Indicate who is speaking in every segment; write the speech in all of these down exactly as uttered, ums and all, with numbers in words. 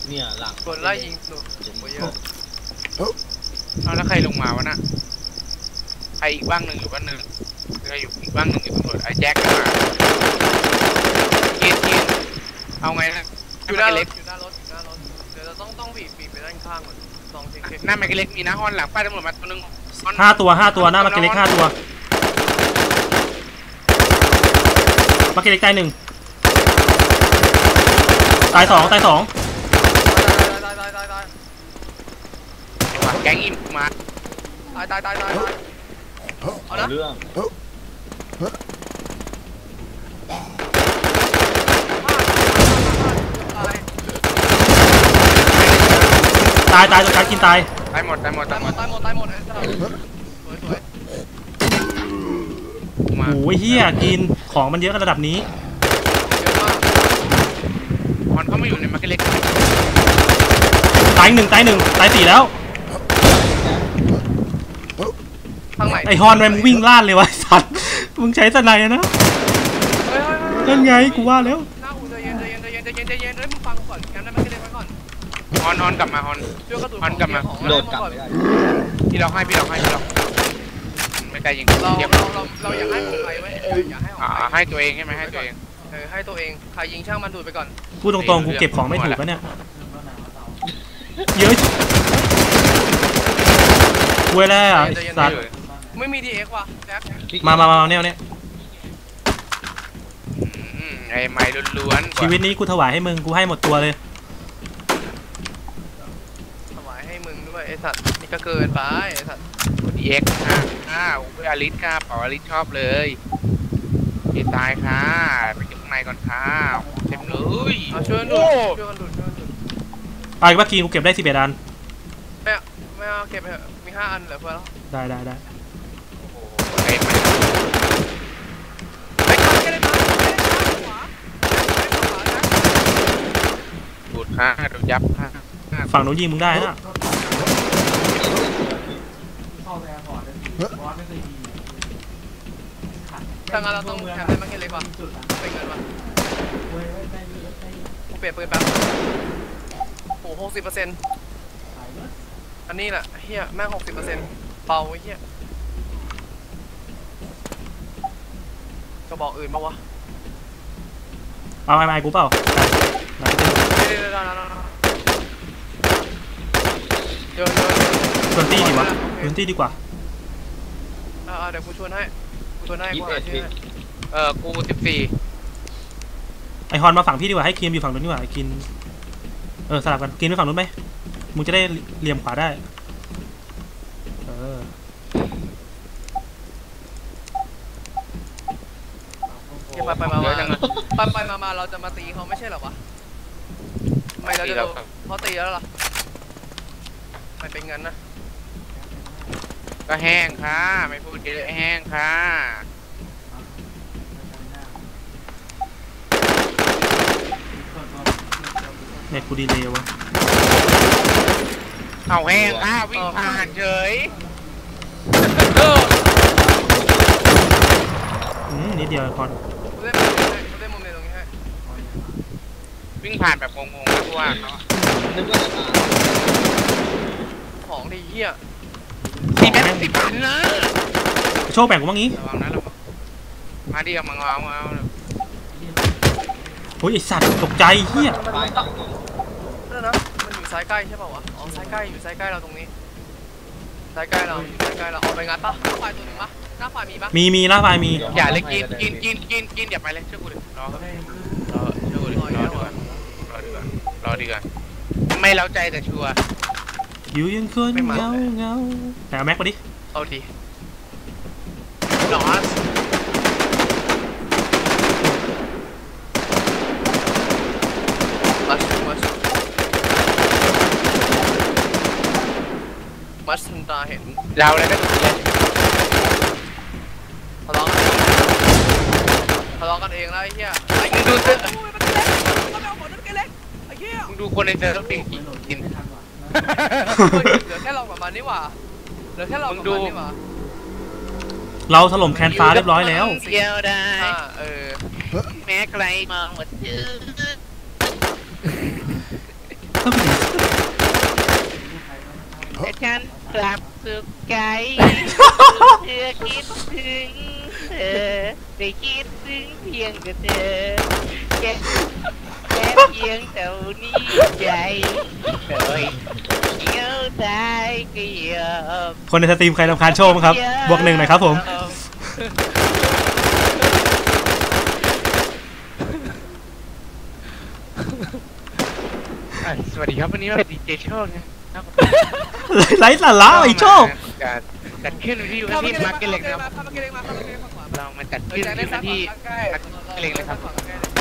Speaker 1: เนี่ยหลัง
Speaker 2: คนไล่ยิงหนูเยอะ
Speaker 3: เอาแล้วใครลงมาวะน่ะใครอีกบ้างหนึ่งอยู่บ้านหนึ่งใครอยู่อีกบ้างหนึ่งอยู่ตำรวจไอ้แจ็คมากินกินเอาไงนะ
Speaker 2: อยู่หน้ารถอยู่หน้ารถอยู่หน้ารถเดี๋ยวเราต้องต้องบีบบีบไปด้านข้างก่อนสองเช็ค
Speaker 3: หน้าแม็กเล็กมีนะฮอนหลังป้ายตำรวจมาตัวนึง
Speaker 4: ห้าตัวห้าตัวหน้ามาเกเล็กห้าตัวมาเกเล็กตายหนึ่งตายสองตายสอง
Speaker 2: ตายตายตายตาย
Speaker 3: แก๊งอิมมา
Speaker 2: ตายตายตายตายเอาละ
Speaker 1: เรื่อง
Speaker 4: ตายตายตัวการกินตาย
Speaker 3: ตายหมดตายหมด
Speaker 2: ตายหมดตายหมดตายหมดสวยสวย
Speaker 4: โอ้ยเฮียกินของมันเยอะกันระดับนี้
Speaker 3: ฮอนเขาไม่อยู่ในมาร์เก็ตเล็ก
Speaker 4: ตายหนึ่งตายหนึ่งตายสี่แล้วไอฮอนแมนมึงวิ่งล่านเลยวะสัตว์มึงใช้สไนนะนั่นไงกูว่าแล้ว
Speaker 2: น้าหูใจเย็นใจเย็นใจเย็นใจเย็นใจเย็นเฮ้ยมึงฟังก่อนแคมป์ได้มาร์เก็ตเล็กไว้ก่อน
Speaker 3: ฮอนฮอนกลับมาฮอน
Speaker 2: ฮอน
Speaker 3: กลับมา
Speaker 1: โดดกลับไม่ได้
Speaker 3: พี่เราให้พี่เราให้พี่เราไม่ไกลยิง
Speaker 2: เราเราเราเราอยากให้ของใครไว้อยากให้ของใคร
Speaker 3: ให้ตัวเองใช่ไหมให้ตัวเอง
Speaker 2: เออให้ตัวเองใครยิงช่างมันดูดไปก่อน
Speaker 4: พูดตรงๆกูเก็บของไม่ถูกแล้วเนี่ยเยอะเว้ยแล้วสัตว์
Speaker 2: ไม่มีดีเอ็กว่ะแจ็ค
Speaker 4: มามามาเนี่ยเนี่ย
Speaker 3: ไอ้ไม้ล้วน
Speaker 4: ชีวิตนี้กูถวายให้มึงกูให้หมดตัวเลย
Speaker 2: ถวายให้มึงด้วยไอ้สัตว์นี่ก็เกินไปไอ้สัตว์
Speaker 3: ดีเอ็กค่ะอ้าวเพื่ออลิสค่ะเป่าอลิสชอบเลยเอตายค่ะไปอยู่ข้างในก่อนค่ะเต็มเลย
Speaker 2: ช่วยดูช่วยกันดูช่วยกันดู
Speaker 4: ไปว่ากีกูเก็บได้สิบเอ็ดอัน
Speaker 2: ไม่ไม่เอาเก็บไปมีห้าอันเหลือเพื่อแล้ว
Speaker 4: ได้ได้ได้
Speaker 3: ไอ้ไม่
Speaker 2: ไปกันกันเลยมาขวา
Speaker 3: บุดค่ะโดนยับค่ะ
Speaker 4: ฝั่งโน้นยิงมึงได้นะ
Speaker 2: ถ้างั้นเราต้องแคมป์ได้มาแค่เล็กว่ะเป็นเงินว่ะกูเปลี่ยนปืนแป๊บโอ้หกสิบเปอร์เซ็นต์อันนี้แหละเฮียแม่งหกสิบเปอร์เซ็นต์เบาไอ้เฮียก็บอกอื่นมาวะ
Speaker 4: เอาไอ้ไม้กูเปล่า
Speaker 2: เดี๋ยวเดี๋ยวเดี๋ยวเดี๋ยว
Speaker 4: ชวนตี้ดีวะชวนตี้ดีกว่า
Speaker 2: อ่าเดี๋ยวกูชวนให้กูชวนให้กูหาชื่อ
Speaker 3: เออกูสิบสี่
Speaker 4: ไอฮอนมาฝั่งพี่ดีกว่าให้คิมอยู่ฝั่งนู้นดีกว่าไอกินเออสลับกันกินไปฝั่งนู้นไหมมึงจะได้เหลี่ยมขวาได้เออ
Speaker 2: ไปไปมาไปไปมามาเราจะมาตีเขาไม่ใช่หรอวะไม่เราจะเขาตีแล้วหรอไม่เป็นงั้นนะ
Speaker 3: ก็แห้งค่ะไม่พูดเยอะแห้งค่ะ
Speaker 4: เน็ตกูดีเลยวะ
Speaker 3: เอาแห้งค่ะวิ่งผ่านเฉย
Speaker 4: อืมนิดเดียวคอน
Speaker 2: กูได้มุมนี้กูได้มุมในตรงนี้ให้
Speaker 3: วิ่งผ่านแบบงงๆไม่รู้ว่าเขา
Speaker 2: ของดีเหี้ย
Speaker 3: สิบแม่สิบพันนะ
Speaker 4: โชคแบ่งกูบ้างงี้
Speaker 3: ระวังนะระวังมาดิเอามาเอามาเอา
Speaker 4: โอ้ยไอสัตว์ตกใจเหี้ย
Speaker 2: นั่นนะมันอยู่ซ้ายใกล้ใช่ป่าววะอ๋อซ้ายใกล้อยู่ซ้ายใกล้เราตรงนี้ซ้ายใกล้เราอยู่ซ้ายใกล้เราเอาไปงัดปะหน้าไฟตัวหนึ่งปะหน้าไฟมีปะ
Speaker 4: มีมีหน้าไฟมี
Speaker 3: อย่าเลยกินกินกินกินกินอย่าไปเลยเชื่อกูดิรอรอเชื่อกูดิรอดีกว่ารอดีกว่ารอดีกว่าไม่เล้าใจแต่ชัวร์
Speaker 4: อยู่ยังคนเงาเงาแต่เอาแม็กมาดิ
Speaker 2: เอาดิหนอสมัสมัสมัสตาเห็น
Speaker 3: เราเลยก็ถูกเลย
Speaker 2: ทะเลาะทะเลาะกันเองแล้วไอ้เหี้ยไอ้
Speaker 3: มึงดูสิ
Speaker 2: มึ
Speaker 3: งดูคนในเซอร์ต้องกินกิน
Speaker 2: เหลือแค่เรากับมันนี่หว่าเหลือแค่เรากับมันนี่หว่า
Speaker 4: เราถล่มแคนฟ้าเรียบร้อยแล้ว
Speaker 3: เดียวได้
Speaker 2: เออ
Speaker 3: แม้ใครมองหมดชื่อ
Speaker 4: เข้าไปดิ
Speaker 3: แต่ฉันกลับสุขใจเธอคิดถึงเธอได้คิดถึงเพียงแต่เธอแค่แค่เพียงเท่านี้ใจโดยเกี่ยวใจก็ยอม
Speaker 4: คนในสตรีมใครรำคาญโชว์มั้งครับบวกหนึ่งหน่อยครับผม
Speaker 3: สวัสดีครับวันนี้เป็นดีเจโชคนะ
Speaker 4: ไร้สาระไอ้โชค
Speaker 3: จัดขึ้นที่วันที่มาร์เก็ตเล็กครับ
Speaker 2: ข้ามาเกล็กมาข้ามาเกล็กมาขวา
Speaker 3: เรามาจัดขึ้นที่วันที่มาร์เก็ตเล็กเลยครับ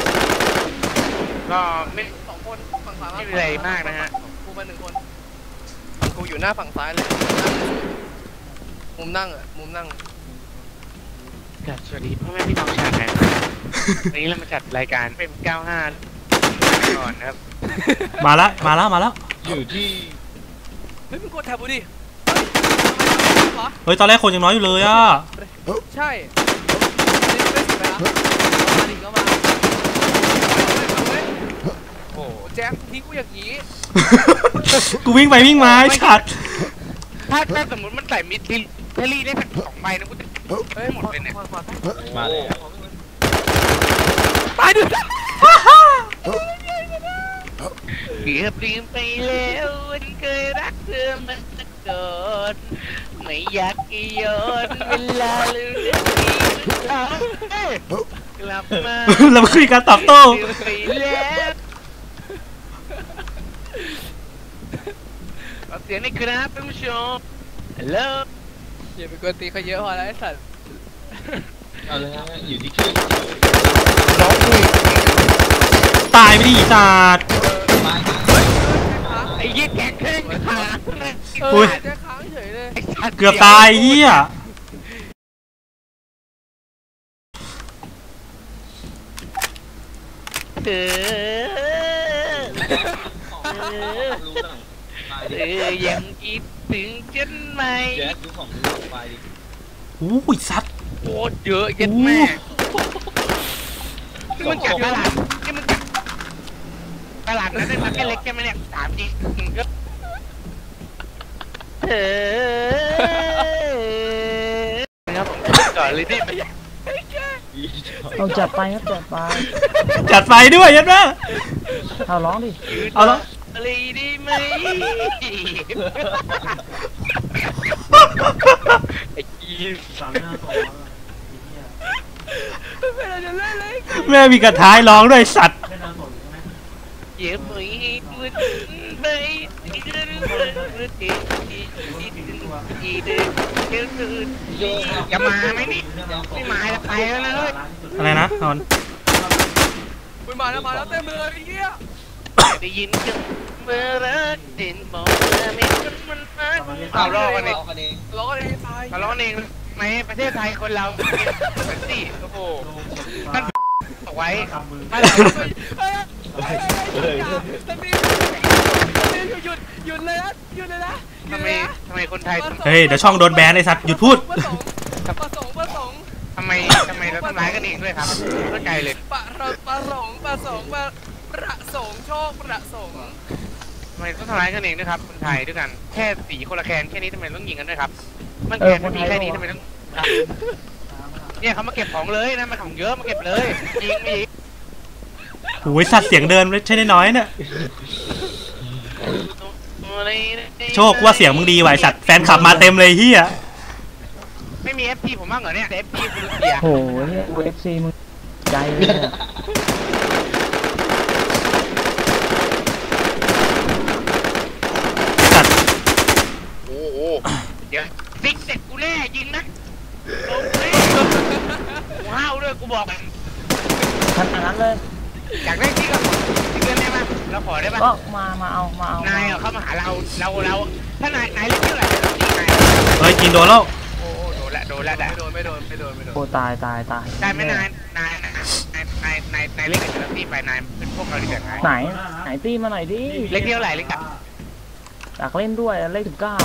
Speaker 3: ก็ไม่
Speaker 2: สองคนฝั่งขวา
Speaker 3: ไม่เป็นไรมากนะฮะ
Speaker 2: กูมาหนึ่งคนกูอยู่หน้าฝั่งซ้ายเลยมุมนั่งอ่ะมุมนั่ง
Speaker 3: สวัสดีพ่อแม่พี่น้องชาวไทยวันนี้เรามาจัดรายการเป็นเก้าห้าก่อนครับ
Speaker 4: มาแล้วมาแล้วมาแล้ว
Speaker 1: อยู่ที่
Speaker 2: เฮ้ยมึงกดแท็บดูดิ
Speaker 4: เฮ้ยตอนแรกคนยังน้อยอยู่เลยอ่ะ
Speaker 2: ใช่นี่ไม่สิบไปแล้วมาดิก็มาโอ้แจ็คทิ้งกูอย่างนี้
Speaker 4: กูวิ่งไปวิ่งมาไอ้ชัด
Speaker 3: ถ้าถ้าสมมติมันใส่มิดลิเทอรี่ได้สักสองใบนะกูจะ
Speaker 2: เฮ้ยหมดเลยเนี่ย
Speaker 1: มาแล้ว
Speaker 2: ตายดิ
Speaker 3: เกือบลืมไปแล้ววันเคยรักเธอมันก่อนไม่อยากย้อนเวลาลืมเรื่องนี้กลับมา
Speaker 4: เรามาคุยกันตอบโต้
Speaker 3: ลืมไปแล้วเอาเสียงในครับท่านผู้ชมฮัลโหล
Speaker 2: อย่าไปกวนตีเขาเยอะพอแล้วไอ้สัตว์
Speaker 1: เอาเลยฮะอยู่ที่คลื่น
Speaker 3: ร้องเพลง
Speaker 4: ตายไปดิสัตว์
Speaker 1: มา
Speaker 3: ไอ้ยี่แกงเครื่องขา
Speaker 2: เออแจ็คค้างเฉยเลย
Speaker 4: เกือบตายเฮีย
Speaker 3: เออ
Speaker 1: รู้หน่อยไป
Speaker 3: เอ
Speaker 1: ดิ
Speaker 3: อยังคิดถึงฉันไหม
Speaker 1: แจ๊คดูของดูไปดิ
Speaker 4: โอ้ยสัตว์
Speaker 3: โคตรเยอะยัดแม่นี่มันจัดตลาดนี่มันจัดตลาดนั้นได้มาแค่เล็กแค่ไหมเนี่ยสามจริงก็เออครับผมก่อนเลยดิ
Speaker 5: เอาจัดไปครับจัดไป
Speaker 4: จัดไฟด้วยยัดแม่
Speaker 5: เอาร้องดิ
Speaker 4: เอาแล้ว
Speaker 3: อะไรดีไหมไอ้กีสามหน้าต่อ
Speaker 2: ไม่เราจะเล่นเลย
Speaker 4: แม่มีกระท้ายร้องด้วยสัตว์
Speaker 3: เย็บไปดูดไปอีกเรื่องเรื่องที่ที่ที่ที่จะมาไหมนี่ไม่มาจะไปแล้วนะเฮ้ย
Speaker 4: อะไรนะนอน
Speaker 2: คุยมาแล้วมาแล้วเต็มเลยไอ้เหี้ย
Speaker 3: ได้ยินกันเมื่อรักเด่นบอกว่าไม่คนมันรักเอาล้อกันเอง
Speaker 1: กันเอง
Speaker 2: ล้อกันเองตาย
Speaker 3: เอาล้อกันเองไหมประเทศไทยคนเราเป็นสี่โอ้โหท่านบอกไว้ถ้าเรา
Speaker 2: เฮ้ยเฮ้ยเฮ้ยสตีหยุดหยุดเลยนะหยุดเลยนะ
Speaker 3: ทำไมทำไมคนไทย
Speaker 4: เฮ้ยเดี๋ยวช่องโดนแบนไอ้สัตว์หยุดพูด
Speaker 2: ประสงค์ประสงค์
Speaker 3: ทำไมทำไมเราทำร้ายกันเองด้วยครับเข้าใจเลย
Speaker 2: ประเราประสงค์ประสงค์ประประสงค์โชคประสงค์
Speaker 3: ทำไมต้องทำร้ายกันเองด้วยครับคนไทยด้วยกันแค่สีคนละแคนแค่นี้ทำไมต้องยิงกันด้วยครับมันแคนไม่มีแค่นี้ทำไมต้องเนี่ยเขามาเก็บของเลยนะมันของเยอะมาเก็บเลยยิงไม่ยิง
Speaker 4: โอ้ยสัตว์เสียงเดินไม่ใช่น้อยๆเนี่ยโชคว่าเสียงมึงดีว่ะไอ้สัตว์แฟนขับมาเต็มเลยเฮีย
Speaker 3: ไม่มี เอฟ พี ผมบ้างเหรอเนี่ย เอฟ พี คุณเสีย
Speaker 5: โอ้โหเนี่ยเอฟซีมึงใจเลยเนี่ย
Speaker 4: สัตว์
Speaker 3: โอ้โหเดี๋ยวซิกเสร็จกูแน่ยิงนะลงเลยว้าวด้วยกูบอก
Speaker 5: ขนาดนั้นเลย
Speaker 3: อยากได้ที่กับที่เกินได้ไหมเราขอได้ปะ
Speaker 5: ก็มามาเอามาเอา
Speaker 3: นายเข้ามาหาเราเราเราถ้านายนายเล่นเท่าไหร่เราตีนาย
Speaker 4: เฮ้ยกินโดนแล้ว
Speaker 3: โอ้โดนละโดนละได้
Speaker 2: ไม่โดนไม่โดนไม่โดนไม่โดน
Speaker 5: โอ้ตายตายตาย
Speaker 3: ได้ไหมนายนายนายนายนายนายเล่นกับเจ้าหน้าที่ไปนายเป็นพวกเราดีกว่าไง
Speaker 5: ไหนไหนตีมาหน่อยดิ
Speaker 3: เล็กเท่าไหร่เล็กกับ
Speaker 5: อยากเล่นด้วยเลขสิบเก้า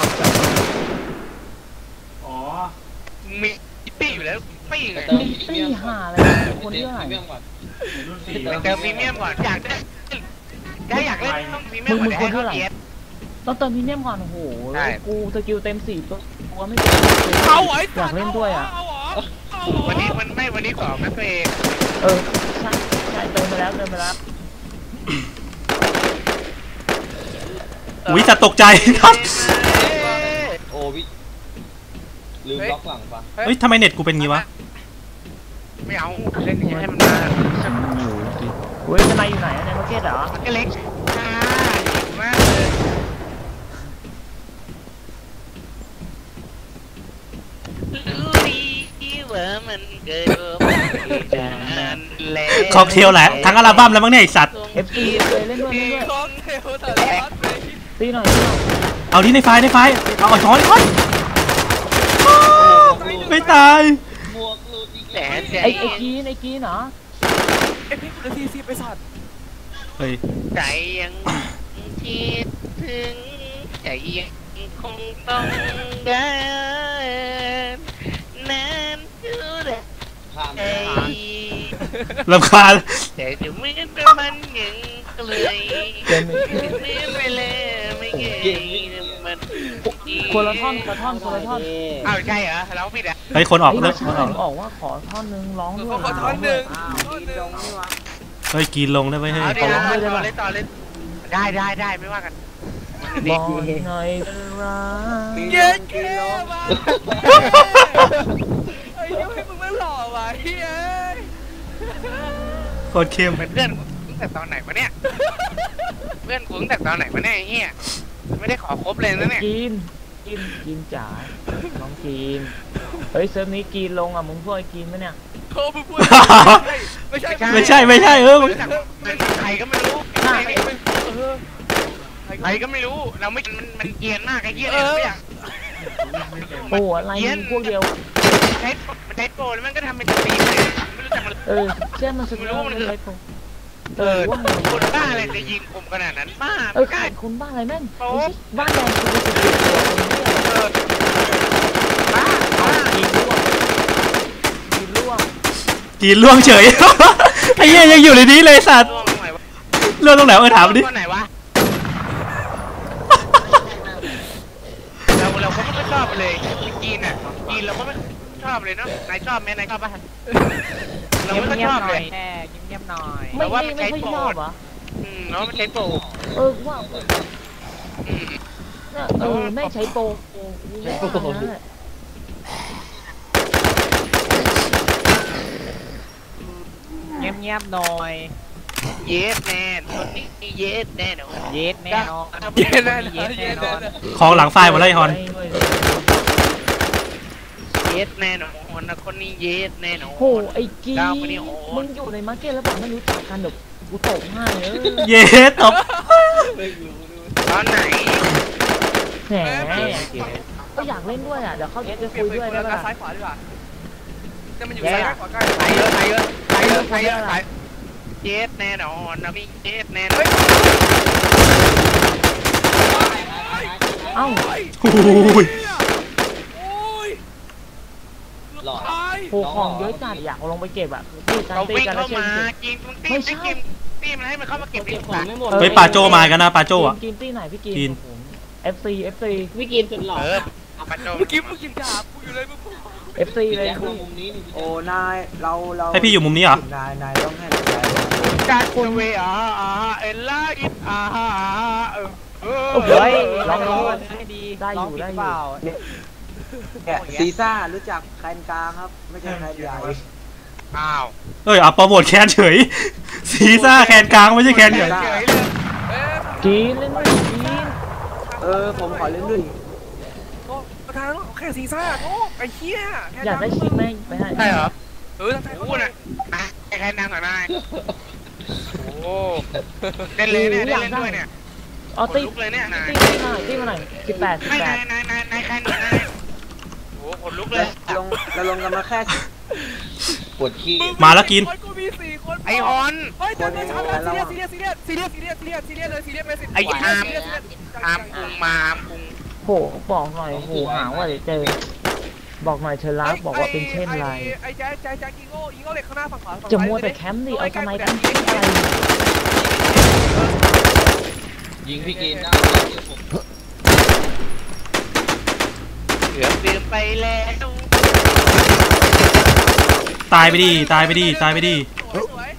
Speaker 4: อ๋อ
Speaker 3: มีตี้อยู่แล้วไม่ไง
Speaker 5: ตีห่าอะไรคนที่เท่าไหร่
Speaker 1: เรื่องก่อน
Speaker 4: รุ่นสี่
Speaker 3: ไปเติมพรีเมียมก่อนอยากได้ถ้าอยากเล่นต้องพรีเมีย
Speaker 5: มึ
Speaker 3: ม
Speaker 5: งมึง
Speaker 3: ก
Speaker 5: ค
Speaker 3: ว่าน
Speaker 5: เท่าไหร่
Speaker 3: เอส
Speaker 5: ต้องเติมพรีเมียมก่อนโอ้โห
Speaker 3: ใช่
Speaker 5: กูสกิลเต็มสี่ตัวตัวไม่เต็ม
Speaker 2: เอาไว้
Speaker 5: อยากเล่นด้วยอ่ะ
Speaker 3: วันนี้มันไม่วันนี้สองนะตัวเอง
Speaker 5: เออใช่ใช่เติมไปแล้วเติมไปแล้ว
Speaker 4: อุ้ยจะตกใจครับ
Speaker 1: โอ้วิลืมล็อกหลังปะ
Speaker 4: เฮ้ยทำไมเน็ตกูเป็นงี้วะ
Speaker 3: ไม่เอาเล่นอย่างนี้ให้มันมา
Speaker 5: เฮ้ยจะนายอยู่ไหนอะในมาร์เก็ตเหรอ
Speaker 3: มันก็เล็กอ่าหิวมากเลย
Speaker 6: รู้ดีว่ามันเกิดจากแล้ว
Speaker 4: ค็อกเทลแหละทั้งอัลบั้มแล้วมั้งเนี่ยไอสัตว์
Speaker 5: เอฟซีเลยเล่นด้วยเล่นด้วย
Speaker 2: คอนเทลแต่ละพัดเลย
Speaker 5: ตีหน่อยตีหน่อย
Speaker 4: เอาที่ในไฟล์ในไฟล์เอาเอาช้อนช้อนไม่ตาย
Speaker 1: หมวกหลุดอีก
Speaker 6: แต่
Speaker 1: แล้ว
Speaker 6: ใจ
Speaker 5: ไอ้ไอ้กีนไอ้กีนเหรอ
Speaker 2: ไอพี่กูจะซีซีไปสัตว์
Speaker 4: เฮ้ย
Speaker 6: ใจยังคิดถึงใจยังคงต้องการนานเท่าไร
Speaker 1: ผ่าน
Speaker 6: ไอ้
Speaker 4: รำคาญ
Speaker 6: แต่จะเหมือนเป็นมันยังเลย
Speaker 5: เต็ม
Speaker 6: เหมือนเวลาไม่เงยมัน
Speaker 5: คนละท่อนคนละท่อนคนละท่อน
Speaker 3: อ้าวใช่เหรอเราผิดอ่ะ
Speaker 4: เฮ้ยคนออก
Speaker 5: ไอ้
Speaker 4: เลิ
Speaker 5: ไม่
Speaker 4: ก
Speaker 5: ใช่
Speaker 4: คนออก
Speaker 5: ออกว่าขอท่อนนึงร้องด้วย
Speaker 2: ขอท่อนหนึ่งท่อนหนึ่ง
Speaker 4: เฮ้ยกินลงได้ไหมเฮ้ย
Speaker 3: เอาดิเอาต่อเลยต่อเลยได้ได้ได้ไม่ว่ากัน
Speaker 5: บอกหน่อยเป็นรัก
Speaker 2: เย้เก้มาไอ้ยังให้มึงไม่หล่อว่ะเฮ้ย
Speaker 4: โคตรเข้ม
Speaker 3: เป็นเพื่อนกูตั้งแต่ตอนไหนวะเนี่ยเพื่อนกูตั้งแต่ตอนไหนวะเนี่ยไอ้เฮียไม่ได้ขอครบเลยนะเนี่ย
Speaker 5: กินกินกินจ๋าน้องกินเฮ้ยเซิร์ฟนี้กินลงอ่ะมึงพวกไอ้กินไหมเนี่ย
Speaker 2: โทรไปพูดไม่ใช่
Speaker 4: ไม่ใช่ไม่ใช่เออ
Speaker 3: รู้จักใครก็ไม่รู้ใครก็ไม่ใครก็ไม่รู้เราไม่มันมันเกรียนมากไอ้เฮียเนี่ยไม่อยาก
Speaker 5: โอ้อะไรมึงพวกเดียว
Speaker 3: ใช้มันใช้โปรแล้วมันก็ทำเป็นตีเลยไม่รู้จักมัน
Speaker 5: เออเชื่อมันสุดยอดเลยผมเออว่าไง
Speaker 3: คนบ้าอะไรจะยิงผมขนาดนั้นบ้า
Speaker 5: เออ
Speaker 3: ไม่
Speaker 5: ขา
Speaker 3: ได้
Speaker 5: ดคุณบ้าอะไรแม่ง
Speaker 3: โป๊ะ
Speaker 5: บ้านแดงคือสุดตัวคนนี้
Speaker 3: เออบ้าบ้า
Speaker 5: กินร่วงกินร่วง
Speaker 4: กินล่วงเฉย ไอ้เหี้ยยังอยู่ในนี้เลยสัตว์
Speaker 3: ล่วงตรงไหนวะ
Speaker 4: เรื่องตรงไหนเออถามดิ
Speaker 3: ตรงไหนวะเราเราก็ไม่ชอบเลยจีนอ่ะจีนเราก็ไม่ชอบเลยเนาะนายชอบไหมนายชอบป่ะเราไม่ชอบเลย
Speaker 2: เงียบๆหน่อย
Speaker 5: ไม่ไม่ไม่ค่อยชอบเหรอ
Speaker 3: อืมเราไม่ใช้โปร
Speaker 5: เออว่า
Speaker 3: อืม
Speaker 5: เออแม่งใช้โปรใช้โปร
Speaker 2: เงียบๆหน่อย
Speaker 3: เยสแน่คนนี้เยสแน่นอน
Speaker 2: เย็ดแน่นอนเย็ดแน่นอนเย็ดแน่นอน
Speaker 4: ของหลังไฟล์หมดแล้วไอ้ฮอน
Speaker 3: เยสแน่นอนนะคนนี้เยสแน่นอน
Speaker 5: โหไอ้กี
Speaker 3: ดาวคนนี้โห
Speaker 5: มึงอยู่ในมาร์เก็ตแล้วแบบไม่รู้จักกันเดี๋ยวกูตบให้เออ
Speaker 4: เย้ตบ
Speaker 3: ตอนไหน
Speaker 5: แหมก็อยากเล่นด้วยอ่ะเดี๋ยวเขาจะคุยด้วยได้
Speaker 2: แล้ว
Speaker 5: ปะ
Speaker 2: ซ้ายขวาดีกว่าจะมันอยู่
Speaker 5: แย่
Speaker 2: ซ้ายขวาใกล้
Speaker 3: ไปเยอะไปเยอะไปเยอะไปเยอะไปเยสแน่นอนนะพี่เยสแน่นอน
Speaker 5: เอ้า
Speaker 4: โอ้ย
Speaker 2: โอ้ย
Speaker 1: หลอด
Speaker 2: ตาย
Speaker 5: โหของเยอะจัดอยากเอาลงไปเก็บอ่ะตีกัน
Speaker 3: เรา
Speaker 5: ตี
Speaker 3: วิ่ง
Speaker 5: กันแล้ว
Speaker 3: เข้า
Speaker 5: เช่น
Speaker 3: มากินมึงตีไม่กินตีมันให้มันเข้ามาเก็บดิของไม่หมด
Speaker 4: เฮ้ยปาโจมากันนะปาโจอ่ะ
Speaker 5: กินตีไหนพี่กิน
Speaker 4: กิน
Speaker 5: เอฟซีเอฟซี
Speaker 7: พี่กินสุดหล่อ
Speaker 3: เออปัจจุ
Speaker 2: เมื่อกี้มึงกินดาบกูอยู่เลยมึง
Speaker 5: เอฟซีเลย
Speaker 1: แจ็คมามุมนี้นี่
Speaker 7: โอ้นายเราเรา
Speaker 4: ให้พี่อยู่มุมนี้เหรอ
Speaker 7: นายนายต้องให้เราใจ
Speaker 3: การคุยเวอ่าอ่าเอลล่าอินอ่าเออเออ
Speaker 5: โอ้
Speaker 3: เฮ้ย
Speaker 5: ลอง
Speaker 7: ล
Speaker 5: ดู
Speaker 7: อง
Speaker 5: ให้ดีได้อยู่ได้อยู่
Speaker 7: เนี่ยซีซ่ารู้จักแคนกลางครับ ไม่ใช่แคนใหญ่
Speaker 3: อ้าว
Speaker 4: เอ้ยเอาโปรโมทแคนเฉย ซีซ่าแคนกลางไม่ใช่แคนใหญ่
Speaker 3: เฉยเลย
Speaker 5: กินเล่นด้วยกิน
Speaker 7: เออผมขอเล่นด้วย
Speaker 2: โอ้ประธานแค่ซีซ่าโอ้ไอ้เหี้ย
Speaker 5: อยากได้ชิปไหมไปให้
Speaker 3: ใช่เหรอ
Speaker 2: เออทำไม
Speaker 3: โอ้น่ะนะใครนั่งหน่อยนายโอ้เล่นเลยเนี่ยเล่นด้วยเนี่ย
Speaker 5: เอาตี
Speaker 3: ลุกเลยเนี่ยนาย
Speaker 5: ตีตีมาหน่อยตีมาหน่อยสิบแปดสิบ
Speaker 3: ไม่
Speaker 5: แป
Speaker 3: นา
Speaker 5: ด
Speaker 3: ยนายนายนายใครหน่อยนายโอ้ขนลุกเลย
Speaker 7: ลงเราลงกันมาแค่
Speaker 1: ปวดขี้
Speaker 4: มาแล้วกิน
Speaker 2: กูมีสี่คน
Speaker 3: ไอฮอน
Speaker 2: เฮ้ยแต่ไม่ใช่ซีเรียสซีเรียสซีเรียสซีเรียสซีเรียสซีเรียสเลยซีเรียสไปสิ
Speaker 3: ไอ้อามอามพุงมาอามพุง
Speaker 5: โหบอกหน่อยโหหาว่าเดี๋ยวเจอบอกหน่อยเธอรักบอกว่าเป็นเช่นไร
Speaker 2: ไอ้แจ๊แจ๊แจ๊อีโง่อีโง่เหล็กข้างหน้าฝั่งขวา
Speaker 5: จะมัวแต่แคมป์ดิเอาทำไมแคมป์อะไร
Speaker 1: ยิงพี่กินได้
Speaker 6: เกือบลืมไปแล้ว
Speaker 4: ตายไปดิตายไปดิตายไปดิ
Speaker 2: สวยสวย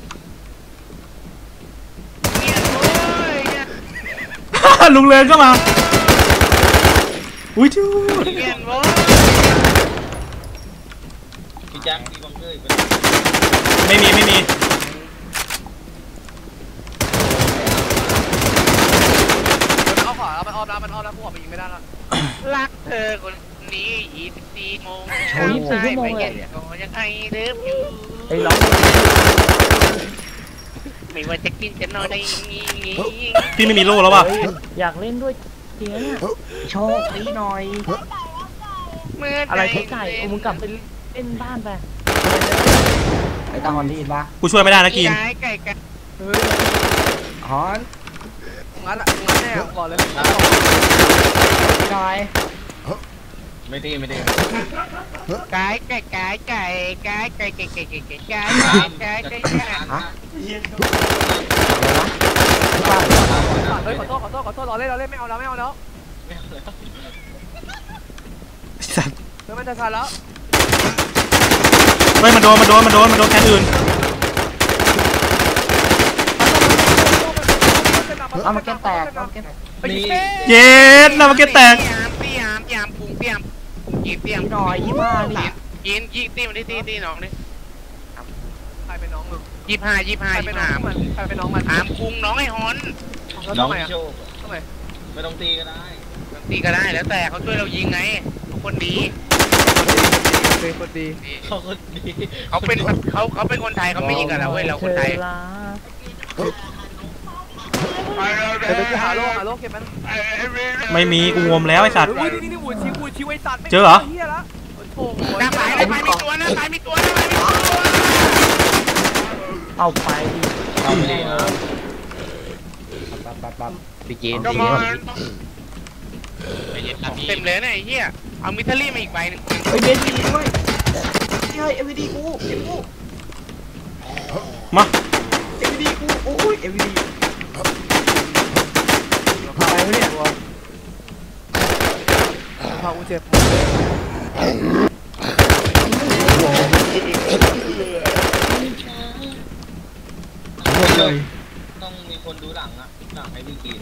Speaker 6: เนี่ยโว้ยเนี่ย
Speaker 4: ลุงเลินก็มาอุ้ยจู้
Speaker 6: เนี่ยโว้ย
Speaker 1: พี่แจ็คมีบังเกอร์อีกไหม
Speaker 4: ไม่มีไม่มี
Speaker 2: มันเอาขวาแล้วมันออมแล้วมันออมแล้วพวกมันยิงไม่ได้ละ
Speaker 6: รักเธอคนนี้ยี่สิบสี่โมง
Speaker 5: โอ้ยยี่สิบสี่ชั่วโมงเลย
Speaker 6: ก็ยังไงเลิฟอยู่
Speaker 5: ไอ้ยร้อง
Speaker 6: ไม่ว่าจะกินจะนอนได้งี้
Speaker 4: พี่ไม่มีโล่แล้วว่ะ
Speaker 5: เฮ้ยอยากเล่นด้วยจริงนะเนี่ย
Speaker 7: โชคดีหน่อย
Speaker 6: เมื่อ
Speaker 5: อะไรเทไก่โอ้มึงกลับไปเล่นบ้านไป
Speaker 7: ไอ้ตาฮอนได้ยินปะ
Speaker 4: กูช่วยไม่ได้นะกิน
Speaker 6: ไก่ไก่ไก่
Speaker 7: ฮอน
Speaker 2: งั้นอ่ะงั้นแน่ก่อนเลย
Speaker 7: หน่อย
Speaker 1: ไม่ตีไม่ตี
Speaker 6: ไก่ไก่ไก่ไก่ไก่ไก่ไก่ไก่ไก่ไก่ไก่ไก่ไก่ไก่
Speaker 7: ฮะ
Speaker 2: เฮ้ยขอโทษขอโทษขอโทษรอเล่นรอเล่นไม่เอาแล้วไม่เอาแล้ว
Speaker 4: สัตว์
Speaker 2: เฮ้ยมันจะทันแล้ว
Speaker 4: เฮ้ยมันโดนมันโดนมันโดนมันโดนแคนอื่น
Speaker 7: เอามาแก้มแตกเอามาแก้มแตก
Speaker 2: ไปยิงเป้
Speaker 4: เย็ดนะมันเก็ตแตก
Speaker 6: เปียมเปียมเปียมปุ้งเปียมกี่เปียม
Speaker 7: หน่อยยี่ห้านี่
Speaker 6: กินกี่ตีมันได้ตีตีน้องนี่
Speaker 2: ใครเป็นน้องมึง
Speaker 6: ยี่ห้ายี่ห้า
Speaker 2: ใคร
Speaker 6: ยี่
Speaker 2: เป็นน้อ
Speaker 6: ห้าง
Speaker 2: มันใครเป็นน้องมัน
Speaker 6: ถามคุงน้องไอ้ฮอน
Speaker 2: แล้ว
Speaker 1: น้อง
Speaker 2: ทำไมอ่ะ
Speaker 1: โชค
Speaker 2: ทำไม
Speaker 1: ไม่ต้องตีก็ได้
Speaker 6: ตีก็ได้แล้วแต่เขาช่วยเรายิงไงเขาคนดี
Speaker 2: เป็นคนดี
Speaker 1: เขาก็ดี
Speaker 6: เขาเป็นเขาเขาเป็นคนไทยเขาไม่ยิงกับเราเว้ยเราคนไทย
Speaker 5: เธอรัก
Speaker 2: เดี๋ยวไปหาโลหาโลเก็บมัน
Speaker 4: ไม่มีกูงมแล้วไอ้สัตว์
Speaker 2: อุ้ยนี่นี่หูชิวหูชิวไอ้สัตว์ไม่
Speaker 4: เจอเหรอ
Speaker 2: เฮียละโอ้โห
Speaker 6: หน้าปลายหน้าปลายมีตัวหน้าปลายมีตัวหน้าปลายมีตัว
Speaker 5: เอาไปดิ
Speaker 1: เอาไม่ดีนะ
Speaker 7: ปั๊บปั๊บปั๊บพี่เจน
Speaker 6: ก็
Speaker 7: พี่
Speaker 6: ม
Speaker 7: เจ
Speaker 6: อน นเต็มเลยนะไอ้เหี้ยเอามิทลี่มาอีกใบหนึ่ง
Speaker 7: เฮ้ยเบนดีด้วยเฮ้ยเอ็มวีดีกูเอ็มกู
Speaker 4: มา
Speaker 7: เอ็มวีดีกูโอ้ยเอ็มวีดีอะไรวะเนี่ย
Speaker 2: พากูเจ็บ
Speaker 1: ต้องมีคนดูหลังอะหลังให้พี่กิน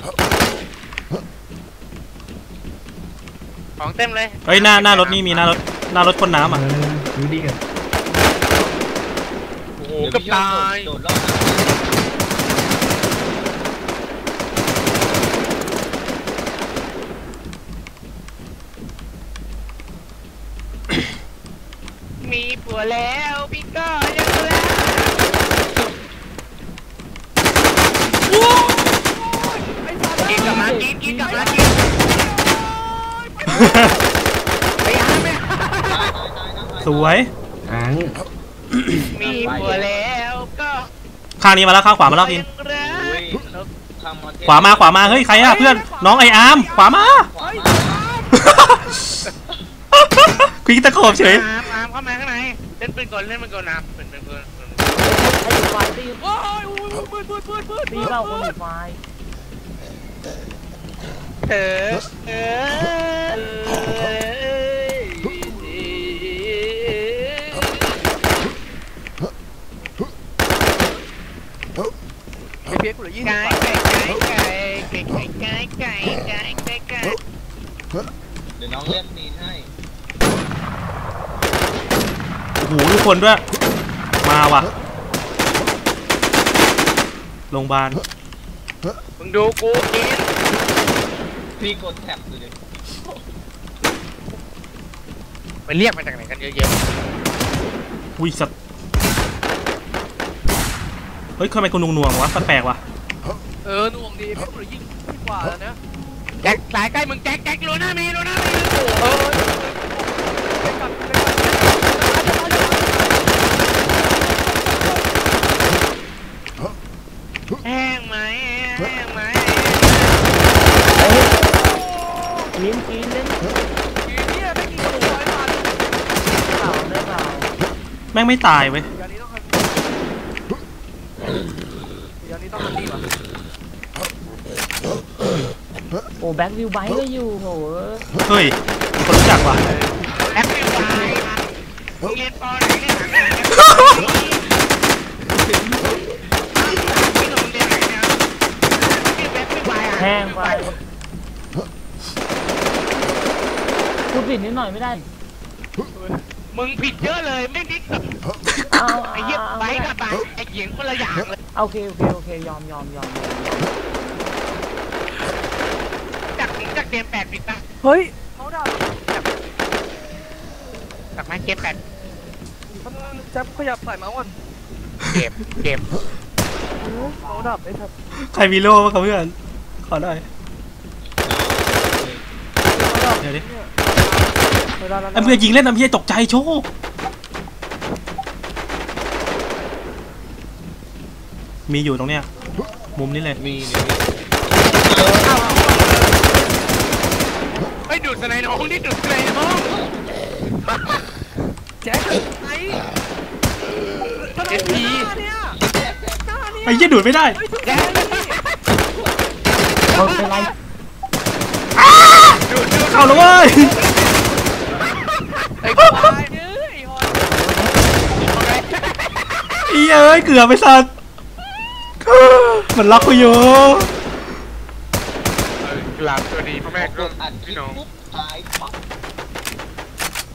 Speaker 6: ของเต็มเลย
Speaker 4: เฮ้ยหน้าหน้ารถนี่มีหน้ารถหน้ารถพ่นน้ำอ่ะ
Speaker 7: ดูดีกัน
Speaker 6: โอ้โหกับตาย
Speaker 1: โดดรอดนะ
Speaker 6: มีผัวแล้วพี่ก็ยังรักกินกลับมากินกินกลับมากินไปหาแม่
Speaker 1: ตายตายตายนะ
Speaker 4: สวย
Speaker 7: อัง
Speaker 6: มีผัวแล้วก็
Speaker 4: ข้างนี้มาแล้วข้างขวามาแล้วกิน
Speaker 6: ยังรัก
Speaker 1: อุ้ยทำมาเท
Speaker 4: ขวามาขวามาเฮ้ยใครอะเพื่อนน้องไออาร์มขวามา
Speaker 1: ขวามา
Speaker 4: คุยตะโขบเฉย
Speaker 6: อามอามเข้ามาข้างในเล่นปืนก่อนเล่นปืนก่อนนะปืนปืนปืนปืน
Speaker 5: ไอ้ไฟตี
Speaker 2: โอ้ยอุ้ยปืนปืนปืนปืน
Speaker 5: ตีเราคนไฟ
Speaker 6: เธอเออ
Speaker 2: ไอ้เพี้ยกูเหลือยี่สิบ
Speaker 6: ไก่
Speaker 2: บาท
Speaker 6: ไก่ไก่ไก่ไก่ไก่ไก่ไก่ไก่
Speaker 1: เดี๋ยวน้องเล่นตีนให้
Speaker 4: โอ้โหทุกคนด้วยมาว่ะโรงพยาบาล
Speaker 6: มึงดูกูกิน
Speaker 1: พี่กดแท็บดูดิ
Speaker 6: ไปเรียกมาจากไหนกันเยอะ
Speaker 4: อุ้ยสัตว์เฮ้ยทำไมกูนุ่งหน่วงวะแปลกๆวะ
Speaker 2: เออหน่วงดีเพี้ยกูเหลือยี่สิบกว่าแล้วนะ
Speaker 6: แจ็คสายใกล้มึงแจ็คแจ็คโลน่ามีโลน่ามีโอ้โห
Speaker 2: เออไปกลับไปกลับ
Speaker 6: แห้งไหมแห้งไหม
Speaker 5: กินกินเล่น
Speaker 2: ทีนี้ไม่กินหัวไอ้สัตว์
Speaker 5: เปล่าได้เปล่า
Speaker 4: แม่งไม่ตายเว้ย
Speaker 2: เดี๋ยวนี้ต้องทำเดี๋ยวนี้ต้องทำดีกว่า
Speaker 5: โอ้แบ็ควิวไบค์ก็อยู่โห
Speaker 4: เฮ้ยมีคนรู้จักว่ะ
Speaker 6: แอปไม่ไหวมึงเรียนปอไหนเนี่ยหนังที่โรงเรียนไหนเนี่ยชื่อแอปไม่ไหวอ่ะ
Speaker 5: แห้งไปพูดผิดนิดหน่อยไม่ได้
Speaker 6: มึงผิดเยอะเลยไม่นิด
Speaker 5: เอา
Speaker 6: ไอ้เหี้ยไปกับไปไอ้เหี้ยคนละอย่างเลย
Speaker 5: โอเคโอเคโอเคยอมยอมยอม
Speaker 6: จากถึงจากเกมแปดปิดปะ
Speaker 2: เฮ้ยเขาดับ
Speaker 6: จากมาเกมแปด
Speaker 2: แจ๊บขยับใส่เมาส์ก่อน
Speaker 6: เก็บเก็บ
Speaker 2: เขาดับไอ้ทับ
Speaker 4: ใครมีโล่บ้างครับเพื่อนขอหน่อยเดี๋ยวดิ
Speaker 2: เวลาแล้ว
Speaker 4: ไอ้เพื่อนยิงเล่นน้ำเพี้ยตกใจโชคมีอยู่ตรงเนี้ยมุมนี้เลย
Speaker 1: มีนี่
Speaker 6: ไม่ดูดสไนน้องนี่ดูดสไนน้อง
Speaker 2: แจ๊บไอ้เอฟพีเนี่ย
Speaker 4: ไอ้เหี้ยดูดไม่ได้
Speaker 6: แก
Speaker 5: คนเป็นไร
Speaker 6: ดูดดูด
Speaker 4: เข้าแล้วเว้ย
Speaker 2: ไอ้ควายเอ้ยฮอน
Speaker 4: ไอ้เอ้ยเกือบไปสัตว์มันล็อกกูอยู่
Speaker 6: หลับตัวดีพ่อแม่
Speaker 1: กดอัดคลิปปุ๊บตายปั๊บ